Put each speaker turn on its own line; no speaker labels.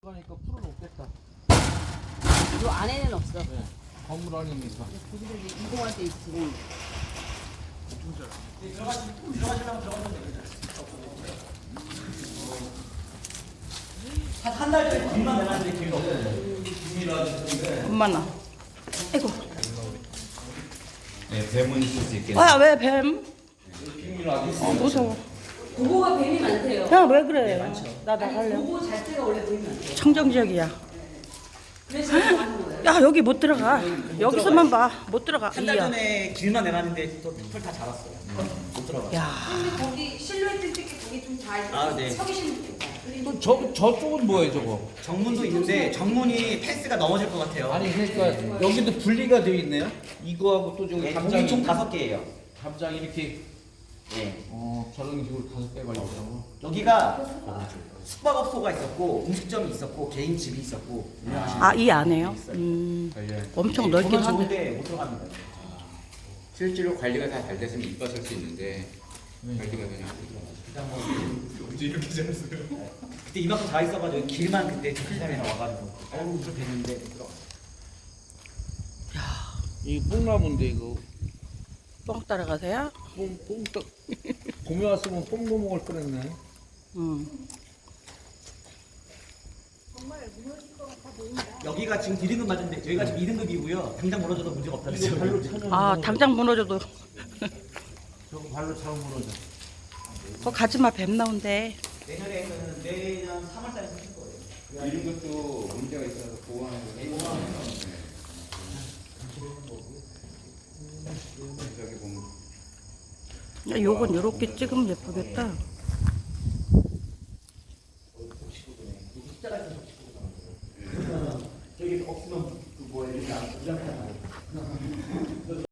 그러니까 풀은 없겠다.
요 안에는 없어.
네. 건물 안이니까.
거기서 이제 이동할 때 있지.
한 달 전에 길만 내놨는데 길도 없어요.
엄마나. 아이고.
네, 뱀은 있을 수 있겠네.
아, 왜 뱀? 무서워.
고거가 뱀이 많대요.
야, 왜 그래? 나 나갈래.
고거 자체가 원래 뱀이 많대요.
청정지역이야.
그래서 이거 하는 거예요.
야, 여기 못 들어가. 여기서만 봐. 못 들어가.
한 달
이야.
전에 길만 내놨는데 또풀다 자랐어요. 못 들어가.
야.
근데 거기 실루엣 찍기 거기 좀 잘
아, 네.
서 계시면 좋겠다.
또 저쪽은 뭐예요, 저거?
정문도 있는데 정문이 펜스가 넘어질 것 같아요.
아니 그러니까 여기도 분리가 되어 있네요. 이거하고 또 저기
네,
담장
문이 총 5개예요.
담장 이렇게
예.
저런 식으로 5개 걸리더라고.
여기가 숙박업소가 있었고 음식점이 있었고 개인 집이 있었고 운영하시는
아, 이 안에요? 엄청 넓긴
보면
한데.
좋은데 못 들어갑니다.
실제로 관리가 다 잘 됐으면 이뻤을 수 있는데 관리가 그냥
그때 이만큼 다 있어가지고 길만 그때 사람이 와가지고 어우 좀 됐는데 못 들어가.
이 뽕나무인데 이거
뻥 따라가세요?
뽕떡 봄에 왔으면 뽕도 먹을 뻔했네.
여기가 지금 1등급 맞은데 저희가 지금 2등급이고요. 당장 무너져도 문제가 없다는
이거 발로
거죠.
차면
아, 당장 무너져도.
저거 발로 차면 무너져.
거 가지마, 뱀 나온대.
내년에는 내년 3월달에 생길 거예요.
이런 것도 문제가 있어서 보호하는 거. 저기 보면
야, 요건 요렇게 찍으면 예쁘겠다.
저기 없으면 그 뭐야 이렇게 안